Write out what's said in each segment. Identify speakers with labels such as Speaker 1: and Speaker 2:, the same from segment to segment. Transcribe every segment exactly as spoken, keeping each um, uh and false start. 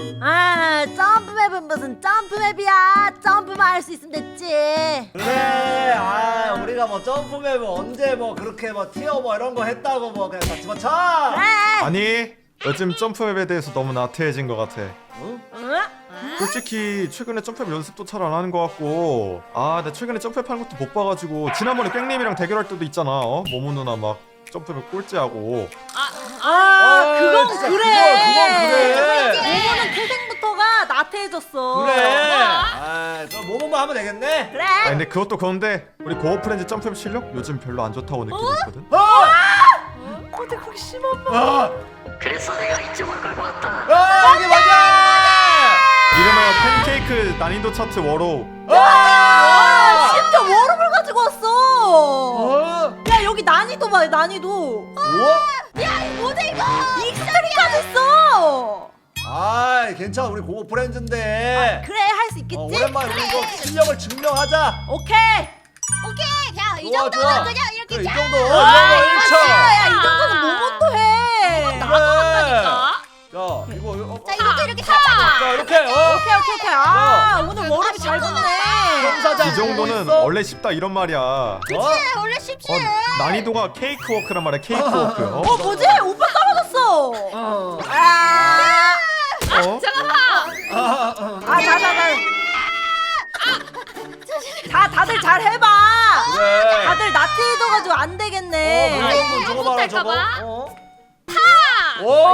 Speaker 1: 아, 점프맵은 무슨 점프맵이야. 점프만 할 수 있으면 됐지.
Speaker 2: 그래. 아 우리가 뭐 점프맵을 언제 뭐 그렇게 뭐 티어 뭐 이런 거 했다고 뭐 그냥 다 집어쳐.
Speaker 1: 그래.
Speaker 3: 아니 요즘 점프맵에 대해서 너무 나태해진 것 같아.
Speaker 2: 응?
Speaker 1: 응?
Speaker 3: 솔직히 최근에 점프맵 연습도 잘 안 하는 것 같고, 아 나 최근에 점프맵 하는 것도 못 봐가지고 지난번에 깽님이랑 대결할 때도 있잖아. 어? 모모 누나 막 점프맵 꼴찌하고.
Speaker 1: 아,
Speaker 2: 아,
Speaker 1: 그건
Speaker 2: 진짜
Speaker 1: 그래.
Speaker 2: 그건, 그건 그래.
Speaker 1: 모모는 태생부터가 나태해졌어.
Speaker 2: 그래. 아 그럼 뭐뭐만 하면 되겠네.
Speaker 1: 그래.
Speaker 3: 아 근데 그것도 그런데 우리 고어프렌즈 점프맵 실력 요즘 별로 안 좋다고 느끼고 있거든.
Speaker 2: 아!
Speaker 1: 어떻게 그렇게 심한 말?
Speaker 2: 아!
Speaker 4: 그래서 내가 이쪽을 끌고 왔다.
Speaker 2: 아 이게 맞아!
Speaker 3: 이름하여 팬케이크 난이도 차트 워로우.
Speaker 1: 아, 심지어 워룹을 가지고 왔어.
Speaker 2: 어?
Speaker 1: 야, 여기 난이도 봐, 난이도.
Speaker 2: 우와?
Speaker 1: 뭐지 이거? 익스트림까지 있어.
Speaker 2: 아 괜찮아 우리 고고 프렌즈인데.
Speaker 1: 그래, 할 수 있겠지?
Speaker 2: 어, 오랜만에 우리 이거 실력을 증명하자.
Speaker 1: 오케이.
Speaker 5: 오케이 자 이
Speaker 2: 좋아,
Speaker 5: 정도면
Speaker 2: 좋아.
Speaker 5: 그냥 이렇게
Speaker 2: 그래, 이
Speaker 5: 자.
Speaker 2: 정도.
Speaker 1: 아,
Speaker 2: 이 정도 일 차.
Speaker 1: 야, 이 정도는 모몬도 해.
Speaker 2: 나도
Speaker 5: 한다니까.
Speaker 2: 자 이거 어,
Speaker 5: 자 이것도 이렇게 살짝.
Speaker 2: 자 이렇게 어.
Speaker 1: 오케이, 오케이, 오케이. 아, 오늘 워룹이 잘 붙네.
Speaker 2: 경사장
Speaker 3: 이 정도는
Speaker 2: 있어?
Speaker 3: 원래 쉽다 이런 말이야. 어,
Speaker 2: 어?
Speaker 5: 원래 쉽지.
Speaker 3: 난이도가 케이크 워크란 말이야. 케이크 워크. 어?
Speaker 1: 어, 뭐지? 오빠 떨어졌어.
Speaker 2: 어.
Speaker 1: 아,
Speaker 3: 어?
Speaker 2: 아, 아, 아.
Speaker 1: 아, 자, 자, 자. 다, 다들 잘 해봐.
Speaker 2: 그래.
Speaker 1: 다들 나태해져가지고 안
Speaker 2: 어,
Speaker 1: 되겠네.
Speaker 2: 무서운 저거 봐라 저거.
Speaker 5: 못할까봐?
Speaker 2: 어? 타. 오.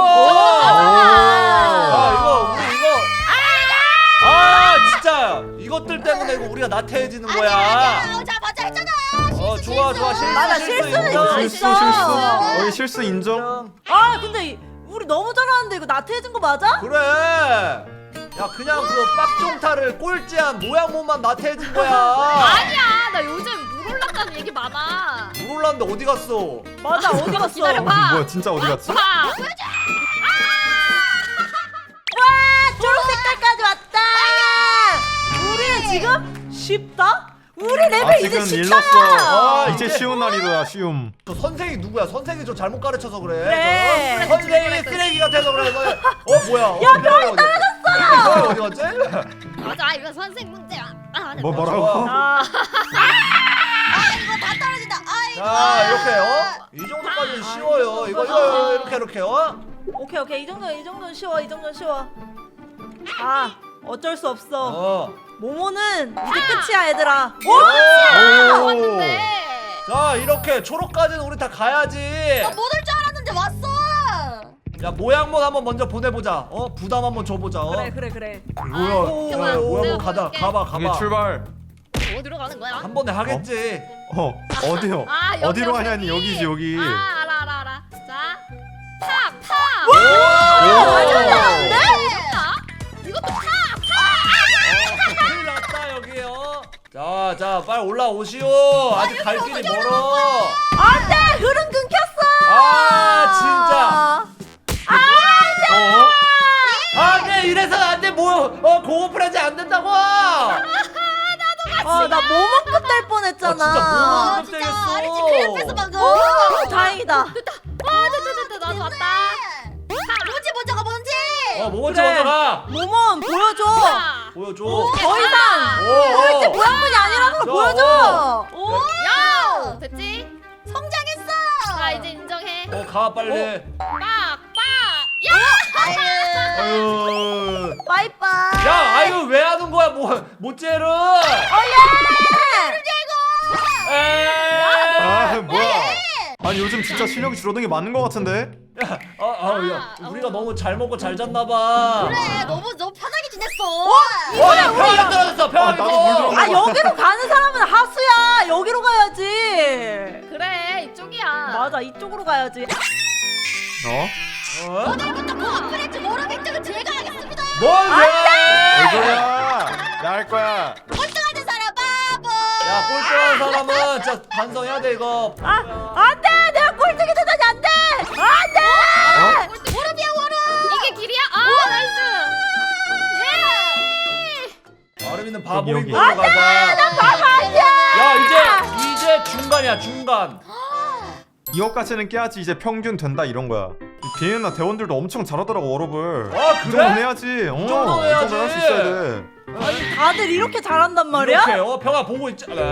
Speaker 2: 아 이거 우리 이거. 아 진짜 이것들 때문에 이거 우리가 나태해지는 거야.
Speaker 5: 아니야. 자 맞아 했잖아.
Speaker 2: 어
Speaker 5: 실수,
Speaker 2: 좋아
Speaker 5: 실수.
Speaker 2: 좋아 실수
Speaker 1: 맞아,
Speaker 2: 실수
Speaker 1: 실수는
Speaker 2: 인정.
Speaker 1: 있을 수
Speaker 3: 실수
Speaker 1: 있어.
Speaker 3: 실수. 어이 실수 인정.
Speaker 1: 아, 근데 이- 우리 너무 잘하는데 이거 나태해진 거 맞아?
Speaker 2: 그래. 야 그냥 그 빡종타를 꼴찌한 모양몸만 나태해진 거야.
Speaker 5: 아니야 나 요즘 물 올랐다는 얘기 많아.
Speaker 2: 물 올랐는데 어디 갔어?
Speaker 1: 맞아, 어디 갔어?
Speaker 5: 기다려봐.
Speaker 3: 어, 뭐야 진짜 어디 갔지?
Speaker 5: 봐.
Speaker 1: 와, 초록 색깔까지 왔다. 우리는 지금 쉽다? 우리 레벨 이제
Speaker 3: 아직은
Speaker 1: 쉽다.
Speaker 3: 일렀어.
Speaker 2: 아,
Speaker 3: 이제
Speaker 2: 이제-
Speaker 3: 쉬운 난이도야 쉬움.
Speaker 2: 저 선생이 누구야? 선생이 저 잘못 가르쳐서 그래.
Speaker 1: 그래.
Speaker 2: 저 선생님이 쓰레기 같아서 그래. 너- 어 뭐야?
Speaker 1: 야, 별이
Speaker 2: 떨어졌어. 어디 갔지?
Speaker 5: 맞아 이거 선생 문제야. 아,
Speaker 3: 뭐
Speaker 5: 됐다.
Speaker 3: 뭐라고?
Speaker 1: 아,
Speaker 5: 아 이거 다 떨어진다. 아이고.
Speaker 2: 자 이렇게 어? 이 정도까지는 쉬워요. 이거 이거 이렇게 이렇게 어?
Speaker 1: 오케이, 오케이. 이 정도, 이 정도는 쉬워. 이 정도는 쉬워. 아, 어쩔 수 없어.
Speaker 2: 어.
Speaker 1: 모모는 이제 끝이야, 얘들아. 오!
Speaker 2: 오!
Speaker 5: 왔는데.
Speaker 2: 자 이렇게 초록까지는 우리 다 가야지.
Speaker 5: 못올 줄 알았는데 왔어.
Speaker 2: 야 모양몬 한번 먼저 보내보자. 어 부담 한번 줘보자. 어?
Speaker 1: 그래, 그래, 그래.
Speaker 2: 뭐야?
Speaker 1: 아이고.
Speaker 2: 야,
Speaker 5: 내가
Speaker 2: 모양몬 가다
Speaker 5: 보여줄게.
Speaker 2: 가봐
Speaker 3: 이게
Speaker 2: 가봐.
Speaker 3: 출발.
Speaker 5: 어디로 가는 거야?
Speaker 2: 한 번에 하겠지.
Speaker 3: 어 어디요?
Speaker 5: 아, 여기,
Speaker 3: 어디로
Speaker 5: 여기.
Speaker 3: 가냐니 여기지 여기.
Speaker 5: 아 알아 알아 알아. 자, 파 파.
Speaker 2: 오!
Speaker 1: 완전 잘하는데?
Speaker 5: 파. 이것도 파.
Speaker 2: 어, 큰일 났다 여기요. 자, 자, 빨리 올라오시오. 아직 갈 길이 멀어.
Speaker 1: 안 돼! 흐름 끊겼어!
Speaker 2: 아, 진짜.
Speaker 3: 어?
Speaker 2: 아, 네, 이래서는 안 돼. 뭐, 어, 고어프렌즈 안 된다고. 아,
Speaker 1: 아, 나 모모급 될 뻔했잖아.
Speaker 2: 아, 진짜 모모.
Speaker 5: 아 진짜 아리지 큰일 뺐어 방금.
Speaker 1: 오, 다행이다.
Speaker 5: 아 됐다 됐다 나도 왔다. 자 뭔지 먼저 가 뭔지.
Speaker 2: 어, 뭐 먼저
Speaker 1: 그래.
Speaker 2: 먼저 가.
Speaker 1: 모몬 보여줘.
Speaker 5: 자,
Speaker 2: 보여줘.
Speaker 1: 더 이상
Speaker 2: 오,
Speaker 1: 이제
Speaker 2: 오.
Speaker 1: 모양문이 아니라는 걸
Speaker 2: 자,
Speaker 1: 보여줘.
Speaker 5: 오, 야 됐지? 성장했어. 자 이제 인정해.
Speaker 2: 어, 가 빨리.
Speaker 5: 빡빡. 야.
Speaker 2: 아유.
Speaker 1: 빠이빠이.
Speaker 2: 야, 아유 왜 하는 거야? 뭐, 모째를. 에이.
Speaker 3: 아 뭐야? 아니 요즘 진짜 실력이 줄어든 게 맞는 것 같은데?
Speaker 2: 야, 아, 아, 야, 우리가 너무 잘 먹고 잘 잤나 봐.
Speaker 5: 그래 너무 너무 편하게 지냈어.
Speaker 2: 어, 야, 평이 떨어졌어. 평이.
Speaker 3: 아, 나도 물 들어간
Speaker 1: 아, 여기로 가는 사람은 하수야. 여기로 가야지.
Speaker 5: 그래 이쪽이야.
Speaker 1: 맞아, 이쪽으로 가야지.
Speaker 3: 어?
Speaker 2: 어?
Speaker 5: 오늘부터 코어프렌즈 모르 획득은 제가 하겠습니다.
Speaker 2: 뭔 소리야?
Speaker 3: 뭔 소리야? 나 할 거야.
Speaker 5: 꼴등하는 사람 바보.
Speaker 2: 야, 꼴등한 사람은 진짜 반성해야 돼 이거.
Speaker 1: 아, 안 돼! 내가 꼴등이 되다니 안 돼! 안 돼!
Speaker 5: 꼴등 워룹이야 워룹. 이게 길이야? 아 나이스. 예.
Speaker 2: 아름이는 바보인
Speaker 3: 여기,
Speaker 2: 걸로
Speaker 3: 여기.
Speaker 2: 가자.
Speaker 1: 바보 아니야!
Speaker 2: 야, 이제 이제 중간이야 중간.
Speaker 3: 이것까지는 깨야지 이제 평균 된다 이런 거야. 비엔나 대원들도 엄청 잘하더라고 워럽을.
Speaker 2: 아,
Speaker 3: 이
Speaker 2: 그래?
Speaker 3: 정도는 해야지. 어, 이
Speaker 2: 정도는 해야지.
Speaker 3: 정도는 할 수 있어야 돼.
Speaker 1: 아니 다들 이렇게 잘한단 말이야?
Speaker 2: 이렇게 어 평화 보고 있자. 네.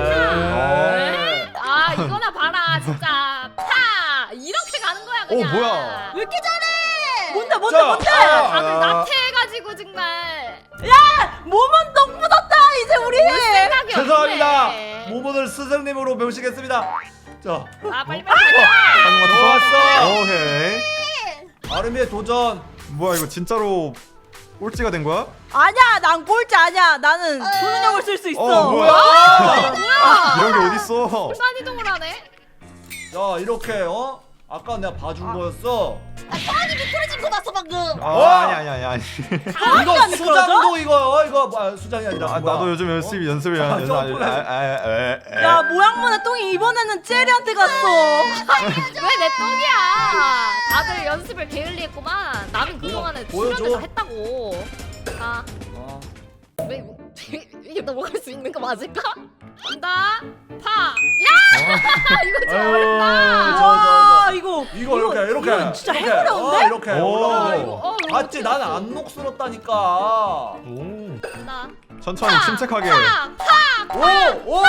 Speaker 5: 아 이거나 봐라 진짜. 파 이렇게 가는 거야 그냥.
Speaker 3: 어, 뭐야?
Speaker 1: 왜 이렇게 잘해? 뭔데 뭔데
Speaker 2: 자,
Speaker 1: 뭔데?
Speaker 2: 아,
Speaker 5: 다들
Speaker 2: 아.
Speaker 5: 나태해가지고 정말.
Speaker 1: 몸은 똥 묻었다 이제 우리.
Speaker 5: 생각이
Speaker 2: 죄송합니다.
Speaker 5: 없네.
Speaker 2: 모모들 스승님으로 모시겠습니다. 자,
Speaker 5: 아 빨리 빨리 가자.
Speaker 3: 하는 거
Speaker 2: 좋았어.
Speaker 3: 오케이.
Speaker 2: 아르미의 도전.
Speaker 3: 뭐야 이거 진짜로 꼴찌가 된 거야?
Speaker 1: 아니야 난 꼴찌 아니야. 나는 초능력을 쓸 수 있어.
Speaker 3: 어 뭐야?
Speaker 5: 뭐야?
Speaker 3: 이런 게 어딨어?
Speaker 5: 순간 이동을 하네.
Speaker 2: 자, 이렇게 어? 아까 내가 봐준 거였어.
Speaker 1: 아니 미끄러진 거 봤어 방금.
Speaker 3: 아
Speaker 2: 어?
Speaker 3: 아니 아니 아니 아니.
Speaker 2: 이거 수장도 이거 어, 이거 뭐, 수장이 아니라
Speaker 3: 아,
Speaker 2: 뭐야?
Speaker 3: 나도 요즘 열심히 연습을
Speaker 2: 아,
Speaker 3: 해야
Speaker 2: 점프해.
Speaker 3: 돼.
Speaker 1: 야 모양문의 똥이 이번에는 젤리한테 갔어.
Speaker 5: 왜 내 똥이야? 다들 연습을 게을리했구만. 나는 그동안에
Speaker 2: 보여줘.
Speaker 5: 수련회사 했다고. 아,
Speaker 2: 어.
Speaker 5: 왜 이거 이게 넘어갈 수 있는 거 맞을까? 간다. 파. 야! 이거 좀
Speaker 2: 아유,
Speaker 5: 어렵다.
Speaker 2: 저, 저,
Speaker 1: 와
Speaker 2: 저.
Speaker 1: 이거
Speaker 2: 이거 이렇게 이렇게
Speaker 1: 이거 진짜
Speaker 2: 이렇게,
Speaker 1: 해보려운데?
Speaker 2: 어, 이렇게
Speaker 3: 오.
Speaker 2: 올라오고.
Speaker 5: 아, 이거, 어, 이거
Speaker 2: 봤지?
Speaker 5: 어떻게
Speaker 2: 나는
Speaker 5: 했어?
Speaker 2: 안 녹슬었다니까.
Speaker 3: 오.
Speaker 5: 간다.
Speaker 3: 천천히 침착하게.
Speaker 5: 파. 파.
Speaker 2: 오! 오! 오!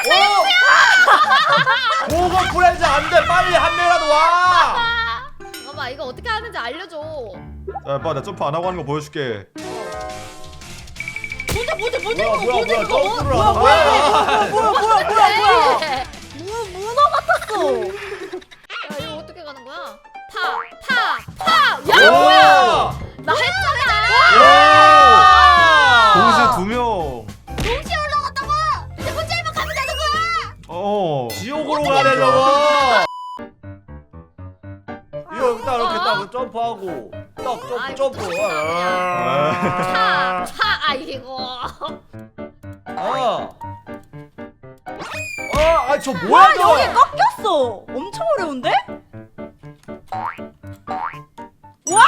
Speaker 2: 고급 프렌즈 안 돼. 빨리 한 명이라도 와.
Speaker 5: 잠깐만 이거 어떻게 하는지 알려줘.
Speaker 3: 자, 봐, 나 점프 안 하고 하는 거 보여줄게.
Speaker 1: 뭔데 뭔데 뭔데
Speaker 2: 뭐야
Speaker 1: 이거
Speaker 2: 뭐야
Speaker 1: 뭔데
Speaker 2: 뭐야
Speaker 1: 이거
Speaker 2: 점프를
Speaker 1: 뭐야
Speaker 2: 하는
Speaker 1: 뭐야
Speaker 2: 거야.
Speaker 1: 뭐야 뭐야 뭐야 뭐야
Speaker 5: 네.
Speaker 1: 무 문어 같았어.
Speaker 5: 야 이거 어떻게 가는 거야? 파. 파. 파. 야 뭐야? 나 했잖아.
Speaker 2: 와!
Speaker 3: 동시에 두 명.
Speaker 1: 동시에 올라갔다고. 이제 혼자만 가면 되는 거야.
Speaker 3: 어.
Speaker 2: 지옥으로 가네 저거. 이거 여기다 이렇게
Speaker 5: 어?
Speaker 2: 딱 점프하고 딱 점프
Speaker 5: 아이고,
Speaker 2: 점프.
Speaker 5: 또
Speaker 3: 아.
Speaker 5: 파. 파. 아 이거.
Speaker 2: 어. 어, 아 저 뭐야
Speaker 1: 와
Speaker 2: 저거?
Speaker 1: 여기 꺾였어. 엄청 어려운데? 와!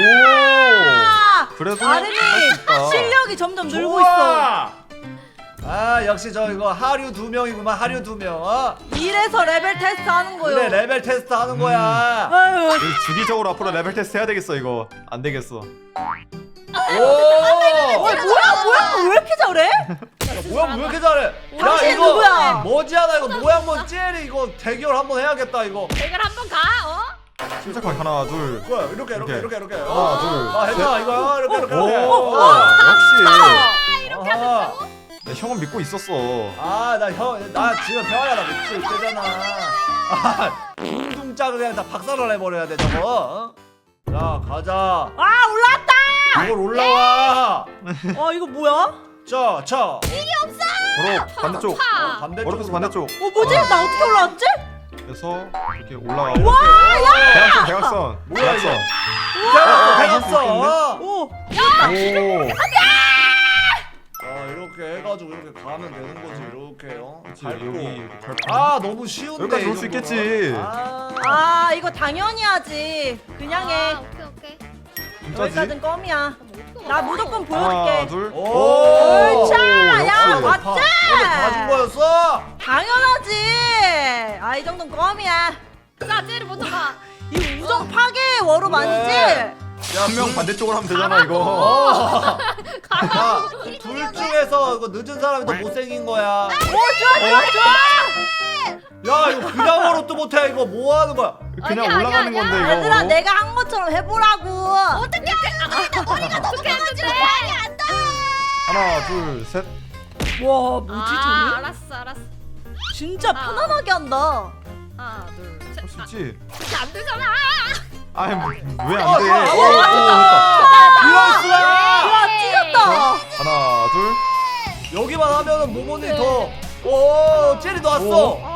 Speaker 3: 오. 그래도
Speaker 1: 아름이
Speaker 3: 할수 있다.
Speaker 1: 실력이 점점 늘고 있어.
Speaker 2: 좋아. 아 역시 저 이거 하류 두 명이구만. 하류 두 명. 어?
Speaker 1: 이래서 레벨 테스트 하는 거요.
Speaker 2: 그래 레벨 테스트 하는 거야.
Speaker 1: 아유.
Speaker 3: 이거 주기적으로 앞으로 레벨 테스트 해야 되겠어 이거. 안 되겠어.
Speaker 2: 오.
Speaker 1: 어, 뭐야 뭐야 왜 이렇게 잘해?
Speaker 2: 야, 모양 왜 이렇게 잘해?
Speaker 1: 당신 누구야?
Speaker 2: 머지않아 이거 모양 뭔 젤이 이거 대결 한번 해야겠다 이거.
Speaker 5: 대결 한번 가. 어?
Speaker 3: 침착하게 하나 둘.
Speaker 2: 뭐야 이렇게 이렇게
Speaker 3: 이렇게.
Speaker 2: 이렇게 이렇게.
Speaker 3: 하나
Speaker 2: 어.
Speaker 3: 둘.
Speaker 2: 아 했다 이거 이렇게 이렇게
Speaker 3: 오.
Speaker 2: 이렇게.
Speaker 3: 오.
Speaker 2: 어.
Speaker 3: 역시.
Speaker 5: 이렇게
Speaker 2: 아하.
Speaker 5: 하셨다고?
Speaker 3: 내 형은 믿고 있었어.
Speaker 2: 아나 형 나 지금 평화야 나 미칠 때잖아. 아 둥둥짝을 그냥 다 박살을 내버려야 돼 저거. 어? 자 가자.
Speaker 1: 아 올라왔다.
Speaker 2: 이걸 올라와.
Speaker 1: 어 이거 뭐야?
Speaker 2: 자, 자.
Speaker 3: 바로 반대쪽.
Speaker 5: 파.
Speaker 2: 반대쪽.
Speaker 3: 어렵게서 반대쪽.
Speaker 1: 어 뭐지? 나 어떻게 올라왔지?
Speaker 3: 그래서 이렇게 올라가고.
Speaker 2: 와, 야!
Speaker 3: 대각선 대각선.
Speaker 2: 뭐야, 이거?
Speaker 3: 대각선.
Speaker 2: 대갔어,
Speaker 3: 아,
Speaker 2: 대갔어.
Speaker 1: 오.
Speaker 3: 오.
Speaker 2: 아 이렇게 해가지고 이렇게 가면 되는 거지 이렇게요.
Speaker 3: 그렇지,
Speaker 2: 밟고.
Speaker 3: 여기 이렇게 밟고.
Speaker 2: 아 너무 쉬운데.
Speaker 3: 여기까지
Speaker 2: 이
Speaker 3: 올 수
Speaker 2: 정도면.
Speaker 3: 있겠지.
Speaker 2: 아.
Speaker 1: 아 이거 당연히 하지. 그냥 해.
Speaker 5: 아, 오케이 오케이.
Speaker 3: 진짜지?
Speaker 1: 여기까지는 껌이야.
Speaker 5: 그럼 어떻게
Speaker 1: 나
Speaker 5: 가나?
Speaker 1: 무조건
Speaker 3: 하나
Speaker 1: 보여줄게.
Speaker 3: 둘.
Speaker 2: 오.
Speaker 1: 자, 야,
Speaker 3: 역시.
Speaker 1: 맞-
Speaker 2: 봐. 이거 봐준 거였어.
Speaker 1: 당연하지. 아 이 정도는 껌이야.
Speaker 5: 자, 쟤를 먼저 가.
Speaker 1: 이 우정 파괴 워룹
Speaker 2: 그래.
Speaker 1: 아니지?
Speaker 3: 한 명 반대쪽으로 하면 되잖아 이거.
Speaker 2: 어. 야, 둘 중에서 이거 늦은 사람이 더 못생긴 거야.
Speaker 1: 오 좋아 좋아 좋아.
Speaker 2: 야 이거 그냥 워롭도 못해 이거 뭐 하는 거야?
Speaker 3: 그냥
Speaker 5: 아니야,
Speaker 3: 올라가는
Speaker 5: 아니야,
Speaker 3: 건데 이거.
Speaker 1: 얘들아
Speaker 3: 바로.
Speaker 1: 내가 한 것처럼 해보라고.
Speaker 5: 어떻게 어떻게 하는데?
Speaker 3: 하나 둘 셋.
Speaker 1: 와 뭐지
Speaker 5: 아,
Speaker 1: 쟤는?
Speaker 5: 알았어, 알았어.
Speaker 1: 진짜
Speaker 5: 아.
Speaker 1: 편안하게 한다.
Speaker 5: 하나, 둘, 셋.
Speaker 3: 할 수 있지.
Speaker 5: 아, 안 되잖아.
Speaker 3: 아왜 안 돼?
Speaker 2: 어, 어,
Speaker 3: 오,
Speaker 2: 어,
Speaker 3: 됐다.
Speaker 2: 이럴 수가!
Speaker 1: 와 찢었다.
Speaker 3: 하나 둘.
Speaker 2: 여기만 하면은 모모님 더. 오, 제리 너 왔어.
Speaker 3: 오.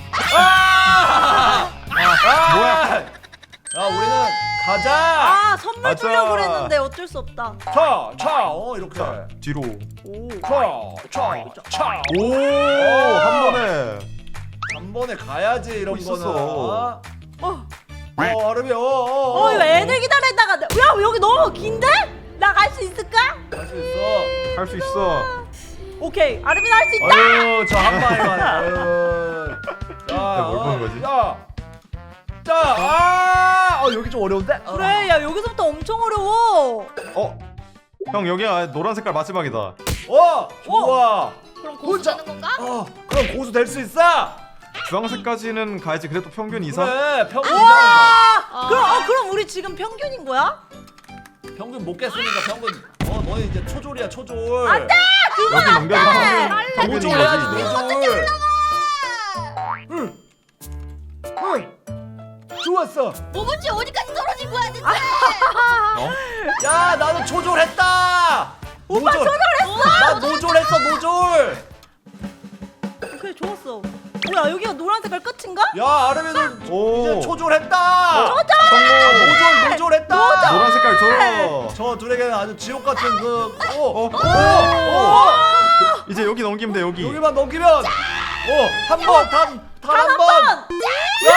Speaker 2: 아! 아!
Speaker 3: 뭐야?
Speaker 2: 야, 우리는 가자.
Speaker 1: 아 선물
Speaker 3: 맞아.
Speaker 1: 주려고 그랬는데 어쩔 수 없다.
Speaker 2: 차, 차, 어 이렇게.
Speaker 3: 자 뒤로.
Speaker 1: 오.
Speaker 2: 차, 차, 차.
Speaker 3: 오 한 번에.
Speaker 2: 한 번에 가야지 이런
Speaker 3: 있었어.
Speaker 2: 거는. 어,
Speaker 1: 어.
Speaker 2: 어, 아름이, 어, 어,
Speaker 1: 어 이거 애들 기다리다가 내- 야 여기 너무 긴데? 나 갈 수 있을까?
Speaker 2: 할수 있어.
Speaker 3: 할 수 있어.
Speaker 1: 오케이 아르빈 할 수 있다.
Speaker 2: 아유, 저 한 방에 가네. 아유. 자,
Speaker 3: 뭘 보는
Speaker 2: 어,
Speaker 3: 거지?
Speaker 2: 자, 자, 아, 어 여기 좀 어려운데? 어.
Speaker 1: 그래 야 여기서부터 엄청 어려워.
Speaker 3: 어? 형 여기야 노란 색깔 마지막이다.
Speaker 2: 어 좋아.
Speaker 5: 그럼 고수
Speaker 2: 혼자-
Speaker 5: 되는 건가?
Speaker 2: 어 그럼 고수 될 수 있어.
Speaker 3: 주황색까지는 가야지. 그래도 평균 이상.
Speaker 2: 그래 평균 이상.
Speaker 5: 아.
Speaker 1: 그럼 어 그럼 우리 지금 평균인 거야?
Speaker 2: 평균 못 깼으니까 평균. 어 너희 이제 초졸이야 초졸.
Speaker 1: 안돼.
Speaker 3: 여기 넘겨도 평균 평균인
Speaker 2: 노졸 해야지
Speaker 3: 거지.
Speaker 2: 노졸. 응. 응. 좋았어.
Speaker 5: 뭐지 어디까지 떨어진 거야 대체?
Speaker 3: 어?
Speaker 2: 야 나도 초졸했다.
Speaker 1: 오빠
Speaker 2: 노졸.
Speaker 1: 초졸했어.
Speaker 2: 나 노졸했어 노졸.
Speaker 1: 그래 좋았어. 뭐야 여기가 노란 색깔 끝인가?
Speaker 2: 야 아르미도
Speaker 3: 오.
Speaker 2: 이제 초졸했다.
Speaker 3: 성공.
Speaker 2: 노졸 노졸했다.
Speaker 3: 노란 색깔 줘.
Speaker 2: 저 둘에게는 아주 지옥 같은 그. 오.
Speaker 3: 어?
Speaker 2: 오. 오.
Speaker 3: 이제 여기 넘기면 돼 여기.
Speaker 2: 여기만 넘기면. 오. 한 번. 단. 단 한 번.
Speaker 3: 오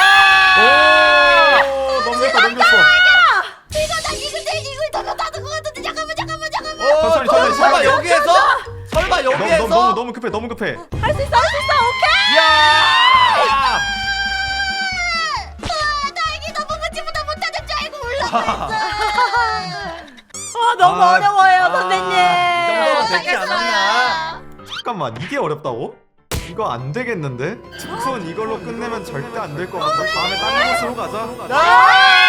Speaker 3: 넘겼다 넘겼어.
Speaker 5: 이거 나 이글 내 이글 다 닫은 거 같은데 잠깐만 잠깐만 잠깐만.
Speaker 2: 어,
Speaker 3: 천천히, 천천히,
Speaker 2: 설마
Speaker 3: 천천히.
Speaker 2: 여기에서? 설마
Speaker 3: 너무
Speaker 2: 여기에서?
Speaker 3: 너무 너무 너무 급해 너무 급해.
Speaker 1: 할 수 있어 할 수 있어 오케이.
Speaker 2: 야!
Speaker 5: 아 다행히 너무 문제보다 못하는 줄 알고 올라갔어.
Speaker 1: 아 너무
Speaker 3: 아,
Speaker 1: 어려워요
Speaker 2: 아,
Speaker 1: 선생님.
Speaker 2: 이 정도면 되지 않았나?
Speaker 3: 잠깐만 이게 어렵다고? 이거 안 되겠는데? 우선 이걸로 끝내면 절대 안 될 것 같아. 다음에 다른 곳으로 가자.
Speaker 2: 아!